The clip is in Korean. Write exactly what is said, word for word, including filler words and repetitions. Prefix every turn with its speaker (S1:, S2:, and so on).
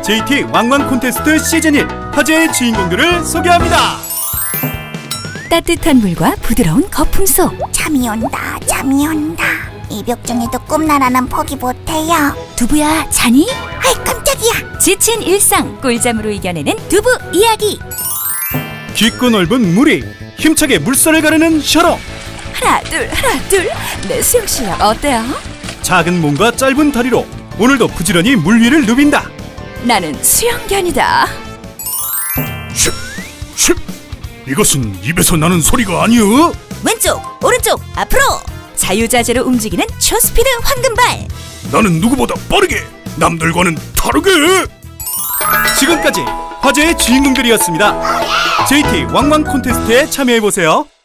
S1: 제이티 왕왕 콘테스트 시즌 일 화제의 주인공들을 소개합니다.
S2: 따뜻한 물과 부드러운 거품 속
S3: 잠이 온다 잠이 온다 이벽 중에도 꿈나라는 포기 못해요.
S2: 두부야 자니?
S3: 아이 깜짝이야.
S2: 지친 일상 꿀잠으로 이겨내는 두부 이야기.
S1: 깊고 넓은 물이 힘차게 물살을 가르는 셔러.
S2: 하나 둘 하나 둘내 수영 실력 어때요?
S1: 작은 몸과 짧은 다리로 오늘도 부지런히 물 위를 누빈다.
S2: 나는 수영견이다.
S1: 슉! 슉! 이것은 입에서 나는 소리가 아니여.
S2: 왼쪽 오른쪽 앞으로 자유자재로 움직이는 초스피드 황금발.
S1: 나는 누구보다 빠르게 남들과는 다르게. 지금까지 화제의 주인공들이었습니다. 제이티 왕왕 콘테스트에 참여해보세요.